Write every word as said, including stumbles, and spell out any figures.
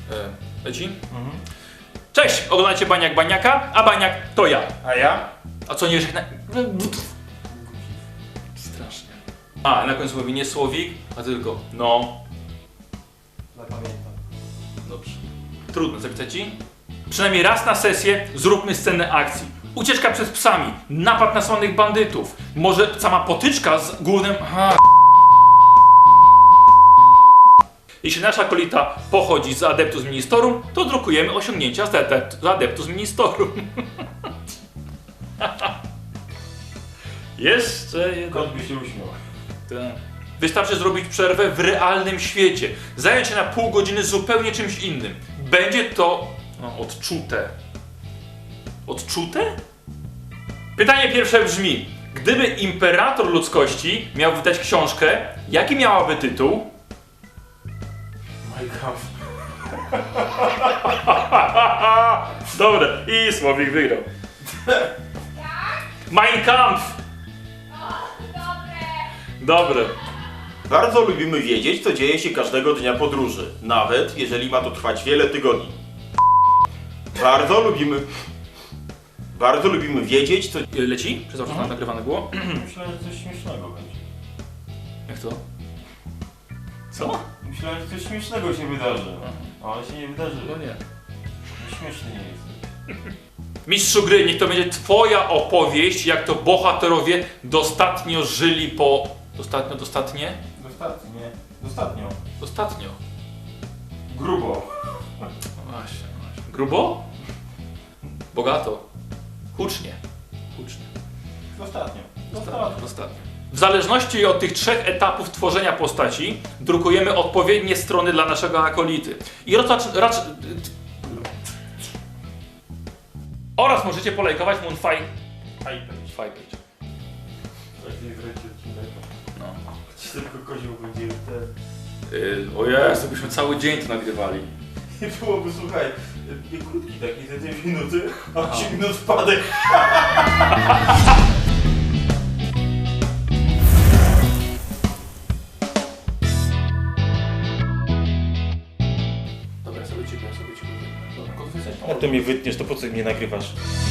E, leci? Mhm. Cześć! Oglądacie Baniak Baniaka, a Baniak to ja. A ja? A co nie żegna... Strasznie. A, na końcu mówi nie słowik, a tylko no. Zapamiętam. Dobrze. Trudno, zapisać ci? Przynajmniej raz na sesję zróbmy scenę akcji. Ucieczka przed psami, napad na słanych bandytów, może sama potyczka z głównym... Aha. Jeśli nasza kolita pochodzi z Adeptus Ministerum, to drukujemy osiągnięcia z, adept, z Adeptus Ministerum. Jeszcze jeden. Kot by się uśmiał. Tak. Wystarczy zrobić przerwę w realnym świecie. Zająć się na pół godziny zupełnie czymś innym. Będzie to no, odczute. Odczute? Pytanie pierwsze brzmi: gdyby imperator ludzkości miał wydać książkę, jaki miałaby tytuł? My God. Dobre. I Słowik wygrał. Mein Kampf! Dobre. Bardzo lubimy wiedzieć, co dzieje się każdego dnia podróży, nawet jeżeli ma to trwać wiele tygodni. Bardzo lubimy... Bardzo lubimy wiedzieć, co... Leci? Przepraszam, że nagrywane było. Myślałem, że coś śmiesznego będzie. Jak to? Co? Myślałem, że coś śmiesznego się wydarzy. Ale się nie wydarzyło. No nie. Śmieszny nie jest. Mistrzu gry, niech to będzie twoja opowieść, jak to bohaterowie dostatnio żyli po... Dostatnio, dostatnie? Dostatnio. Dostatnio. Dostatnio. Grubo. No właśnie, właśnie. Grubo? Bogato. Hucznie. Hucznie. Dostatnio. Dostatnio. Dostatnio. W zależności od tych trzech etapów tworzenia postaci, drukujemy odpowiednie strony dla naszego akolity. I racz, racz, oraz możecie polajkować Moonfire Hypage. Page. Lepiej wręcz odcinek. No. Choć tylko kozioł będzie ten... Yy, o Jezu, byśmy cały dzień to nagrywali. Nie byłoby, słuchaj, nie krótki taki, te dwie minuty, a trzy minut wpadek. Dobra, ja sobie ciebie, ja sobie ciebie. Dobra, Jak to mnie wytniesz, to po co mnie nagrywasz?